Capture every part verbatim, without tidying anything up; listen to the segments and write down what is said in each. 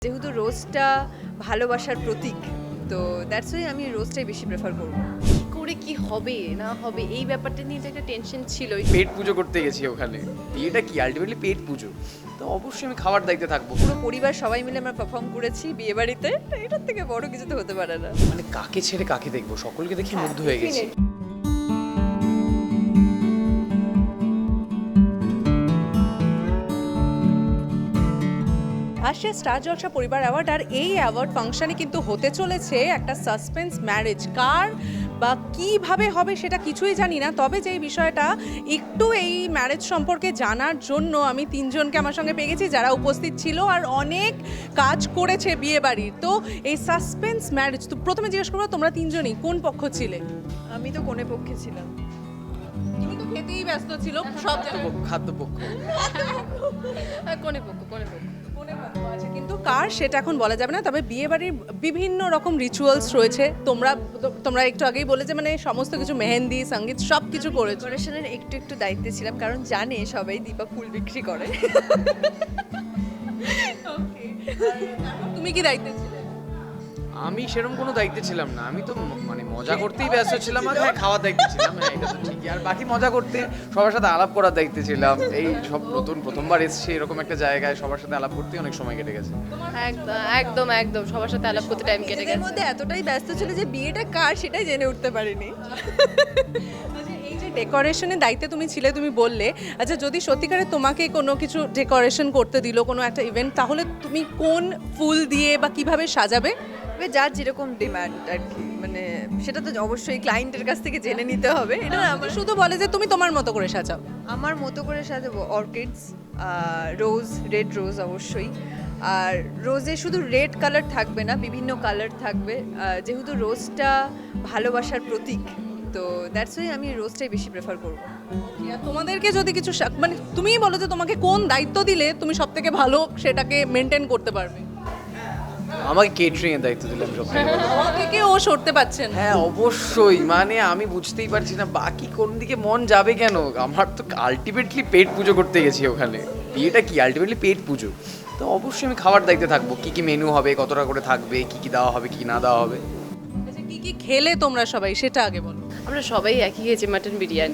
যেহেতু রোজটা ভালোবাসার প্রতীক, তো দ্যাটস ওয়াই আমি রোজটাই বেশি প্রেফার করব। কি করে কি হবে না হবে এই ব্যাপারটা নিয়ে তো একটা টেনশন ছিল। পেট পুজো করতে গেছি ওখানে, বিয়েটা কি আলটিমেটলি পেট পুজো, তো অবশ্যই আমি খাবার দায়িত্বে থাকবো। পুরো পরিবার সবাই মিলে আমরা পারফর্ম করেছি বিয়ে বাড়িতে, এটার থেকে বড় কিছু তো হতে পারে না। মানে কাকে ছেড়ে কাকে দেখবো, সকলকে দেখে মুগ্ধ হয়ে গেছি। আসছে স্টার জলসা পরিবার অ্যাওয়ার্ড, আর এই অ্যাওয়ার্ড ফাংশনে কিন্তু হতে চলেছে একটা সাসপেন্স ম্যারেজ। কার বা কিভাবে হবে সেটা কিছুই জানি না, তবে যেই বিষয়টা একটু এই ম্যারেজ সম্পর্কে জানার জন্য আমি তিনজনকে আমার সঙ্গে পেয়ে গেছি যারা উপস্থিত ছিল আর অনেক কাজ করেছে বিয়ে বাড়ির। তো এই সাসপেন্স ম্যারেজ, তো প্রথমে জিজ্ঞেস করবো তোমরা তিনজনই কোন পক্ষ ছিলে? আমি তো কোনে পক্ষে ছিলাম। তুমি তো খেতেই ব্যস্ত ছিল সব জায়গায়। খাদ্যপক্ষ কোনে পক্ষ কোনে পক্ষ মনে পক্ষ আছে, কিন্তু কার সেটা এখন বলা যাবে না। তবে বিয়ে বাড়ির বিভিন্ন রকম রিচুয়ালস রয়েছে, তোমরা তোমরা একটু আগেই বলে যে মানে সমস্ত কিছু মেহেন্দি সঙ্গীত সব কিছু করেছো। ডেকোরেশনের একটু একটু দায়িত্বে ছিলাম, কারণ জানে সবাই দীপা ফুল বিক্রি করে। তুমি কি দায়িত্বে ছিলে? আমি সেরকম কোনো দায়িত্বে ছিলাম না, আমি তো ম- মানে মজা করতেই ব্যস্ত ছিলাম। আর হ্যাঁ, খাওয়ার দায়িত্বে ছিলাম, হ্যাঁ এটা তো ঠিকই। আর বাকি মজা করতে সবার সাথে আলাপ করার দায়িত্বে ছিলাম। এই সব নতুন প্রথমবার এসেছি এরকম একটা জায়গায়, সবার সাথে আলাপ করতেই অনেক সময় কেটে গেছে। একদম একদম একদম সবার সাথে আলাপ করতে টাইম কেটে নিজেদের গেছে। মধ্যে এতটাই ব্যস্ত ছিল যে বিয়েটা কার সেটাই জেনে উঠতে পারিনি। আচ্ছা, এই যে ডেকোরেশনের দায়িত্বে তুমি ছিলে, তুমি বললে, আচ্ছা যদি সত্যিকারে তোমাকে কোনো কিছু ডেকোরেশন করতে দিল কোনো একটা ইভেন্ট, তাহলে তুমি কোন ফুল দিয়ে বা কিভাবে সাজাবে? তবে যার যেরকম ডিমান্ড আর কি, মানে সেটা তো অবশ্যই ক্লায়েন্টের কাছ থেকে জেনে নিতে হবে। এটা না আমার শুধু বলে যে তুমি তোমার মতো করে সাজাও। আমার মতো করে সাজাবো অর্কিডস, রোজ, রেড রোজ অবশ্যই। আর রোজে শুধু রেড কালার থাকবে না, বিভিন্ন কালার থাকবে, আহ, যেহেতু রোজটা ভালোবাসার প্রতীক, তো দ্যাটস ওয়াই আমি রোজটাই বেশি প্রেফার করবো। আর তোমাদেরকে যদি কিছু সা- মানে তুমিই বলো যে তোমাকে কোন দায়িত্ব দিলে তুমি সব থেকে ভালো সেটাকে মেনটেন করতে পারবে। আমাকে কেটারিং এর দায়িত্ব দিলাম সব থেকে বড়। আমার থেকে ও সরতে পারছেন। হ্যাঁ অবশ্যই, মানে আমি বুঝতেই পারছি না বাকি কোন দিকে মন যাবে কেন। আমার তো আলটিমেটলি পেট পুজো করতে গেছি ওখানে, বিয়েটা কি আলটিমেটলি পেট পুজো, তো অবশ্যই আমি খাবার দায়িত্বে থাকবো। কি কি মেনু হবে, কতটা করে থাকবে, কি কি দেওয়া হবে, কি না দেওয়া হবে। আচ্ছা, কি কি খেলে তোমরা সবাই সেটা আগে বলো। আমরা সবাই একই খেয়েছি মাটন বিরিয়ানি।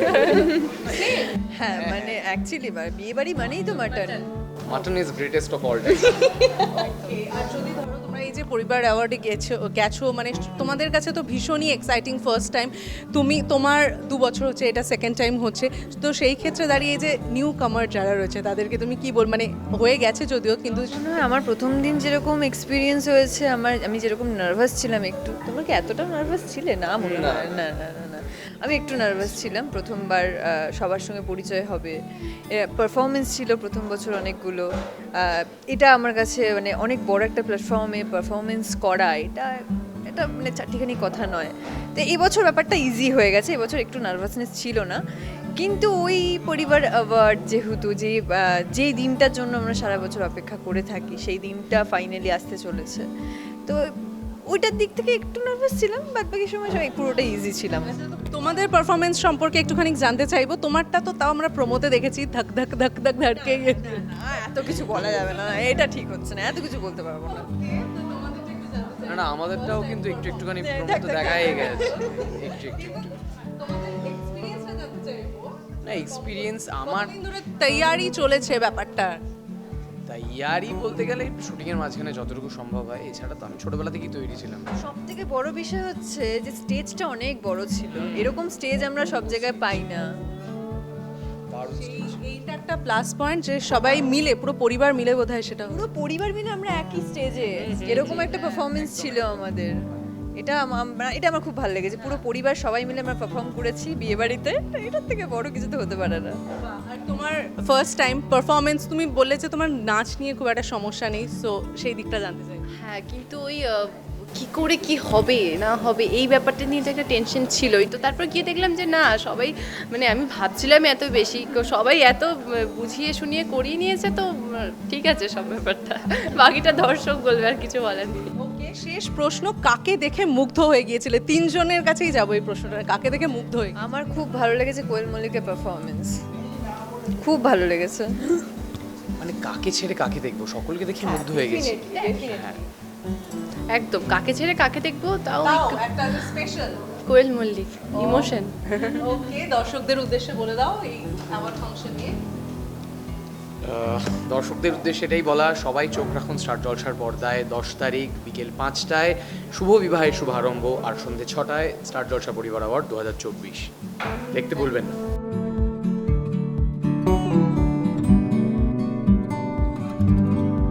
হ্যাঁ মানে অ্যাকচুয়ালি বিয়ে বাড়ি মানেই তো mutton. Mutton is greatest of all time. আর যদি ধরো তোমরা এই যে পরিবার অ্যাওয়ার্ডে গেছো গেছো মানে তোমাদের কাছে তো ভীষণই এক্সাইটিং ফার্স্ট টাইম, তুমি তোমার দু বছর হচ্ছে, এটা সেকেন্ড টাইম হচ্ছে, তো সেই ক্ষেত্রে দাঁড়িয়ে যে নিউ কামার যারা রয়েছে তাদেরকে তুমি কি বল, মানে হয়ে গেছে যদিও কিন্তু মনে হয় আমার প্রথম দিন যেরকম এক্সপিরিয়েন্স হয়েছে, আমার আমি যেরকম নার্ভাস ছিলাম একটু। তোমরা কি এতটা নার্ভাস ছিলে? না মনে হয় না না না না আমি একটু নার্ভাস ছিলাম। প্রথমবার আহ, সবার সঙ্গে পরিচয় হবে, পারফরমেন্স ছিল প্রথম বছর অনেকগুলো। আহ, এটা আমার কাছে মানে অনেক বড় একটা প্ল্যাটফর্মে পারফরমেন্স করা, এটা এটা মানে চারটিখানি কথা নয়। তো এই বছর ব্যাপারটা ইজি হয়ে গেছে, এবছর একটু নার্ভাসনেস ছিল না। কিন্তু ওই পরিবার অ্যাওয়ার্ড যেহেতু যে আহ, যেই দিনটার জন্য আমরা সারা বছর অপেক্ষা করে থাকি, সেই দিনটা ফাইনালি আসতে চলেছে, তো ওইটার দিক থেকে একটু নার্ভাস ছিলাম। বাদ বাকি সময় সবাই পুরোটা ইজি ছিলাম। তোমাদের পারফরমেন্স সম্পর্কে একটুখানি জানতে চাইবো। তোমারটা তো তাও আমরা প্রমোতে দেখেছি, ধাক ধাক ধাক ধাক ধাড়কে গিয়ে। না, এত কিছু বলা যাবে না, এটা ঠিক হচ্ছে না, এত কিছু বলতে পারবো না। না না আমাদেরটাও কিন্তু একটু একটুখানি প্রমোতে দেখাই গেছে, একটু একটু একটু। না এক্সপিরিয়েন্স আমার কতদিন ধরে তৈয়ারি চলেছে ব্যাপারটা? তাই ইয়ারই বলতে গেলে শুটিং এর মাঝখানে যতটুকু সম্ভব হয়, এছাড়া তো আমি ছোটবেলা থেকেই তৈরি ছিলাম। সব থেকে বড় বিষয় হচ্ছে যে স্টেজটা অনেক বড় ছিল, এরকম স্টেজ আমরা সব জায়গায় পাই না। দারুণ এই- এইটা একটা প্লাস পয়েন্ট যে সবাই মিলে, পুরো পরিবার মিলে বোধহয় সেটা হলো। পুরো পরিবার মিলে আমরা একই স্টেজে, এরকম একটা পারফরমেন্স ছিল আমাদের। এটা আম- আমরা এটা আমার খুব ভালো লেগেছে, পুরো পরিবার সবাই মিলে আমরা পারফর্ম করেছি বিয়ে বাড়িতে, এটার থেকে বড় কিছু তো হতে পারে না। আর তোমার ফার্স্ট টাইম পারফরমেন্স, তুমি বললে যে তোমার নাচ নিয়ে খুব একটা সমস্যা নেই, সো সেই দিকটা জানতে চাই। হ্যাঁ কিন্তু ওই আহ, কি করে কি হবে না হবে এই ব্যাপারটা নিয়ে তো একটা টেনশন ছিলই। তো তারপর গিয়ে দেখলাম যে না সবাই, মানে আমি ভাবছিলাম এত বেশি, সবাই এত আহ, বুঝিয়ে শুনিয়ে করিয়ে নিয়েছে, তো আহ, ঠিক আছে সব ব্যাপারটা। বাকিটা দর্শক বলবে, আর কিছু বলার নেই। ওকে, শেষ প্রশ্ন, কাকে দেখে মুগ্ধ হয়ে গিয়েছিলে? তিনজনের কাছেই যাবো এই প্রশ্নটা, কাকে দেখে মুগ্ধ হয়ে? আমার খুব ভালো লেগেছে কোয়েল মল্লিকের পারফরমেন্স, খুব ভালো লেগেছে। মানে কাকে ছেড়ে কাকে দেখবো, সকলকে দেখে মুগ্ধ হয়ে গেছি। হ্যাঁ একদম কাকে ছেড়ে কাকে দেখবো, তাও তাও একটু একটা special. Koel Mallick emotion. Okay, দর্শকদের উদ্দেশ্যে বলে দাও এই অ্যাওয়ার্ড ফাংশন নিয়ে। আহ, দর্শকদের উদ্দেশ্যে এটাই বলা, সবাই চোখ রাখুন স্টার জলসার পর্দায় দশ তারিখ বিকেল পাঁচটায় শুভ বিবাহের শুভারম্ভ, আর সন্ধ্যে ছটায় স্টার জলসা পরিবার অ্যাওয়ার্ড দু হাজার চব্বিশ দেখতে ভুলবেন না।